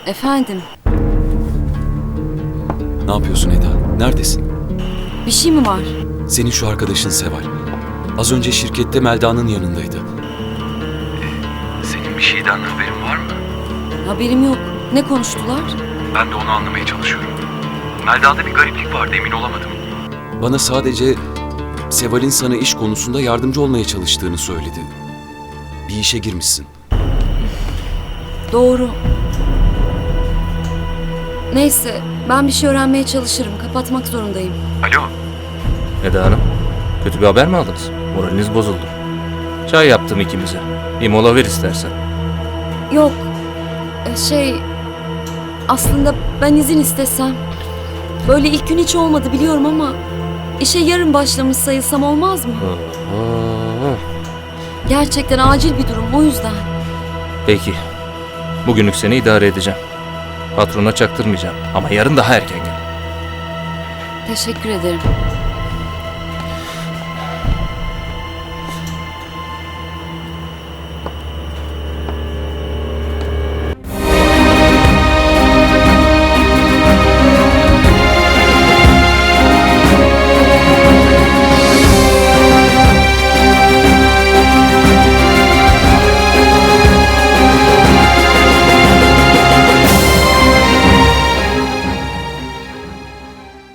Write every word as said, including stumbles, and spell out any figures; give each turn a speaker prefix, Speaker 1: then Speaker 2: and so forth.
Speaker 1: Efendim,
Speaker 2: Ne yapıyorsun Eda? Neredesin?
Speaker 1: bir şey mi var?
Speaker 2: Senin şu arkadaşın Seval. Az önce şirkette Melda'nın yanındaydı. Senin bir şeyden haberin var mı?
Speaker 1: Haberim yok. Ne konuştular?
Speaker 2: Ben de onu anlamaya çalışıyorum. Melda'da bir gariplik vardı, emin olamadım. Bana sadece Seval'in sana iş konusunda yardımcı olmaya çalıştığını söyledi. Bir işe girmişsin.
Speaker 1: Doğru. Neyse, ben bir şey öğrenmeye çalışırım. Kapatmak zorundayım.
Speaker 2: Alo.
Speaker 3: Eda Hanım, kötü bir haber mi aldınız? Moraliniz bozuldu. Çay yaptım ikimize. Bir mola ver istersen.
Speaker 1: Yok, e, şey... Aslında ben izin istesem... Böyle ilk gün hiç olmadı biliyorum ama... işe yarın başlamış sayılsam olmaz mı?
Speaker 3: Aa,
Speaker 1: Gerçekten acil bir durum, o yüzden.
Speaker 3: peki. Bugünlük seni idare edeceğim. Patrona çaktırmayacağım. Ama yarın daha erken gel.
Speaker 1: Teşekkür ederim.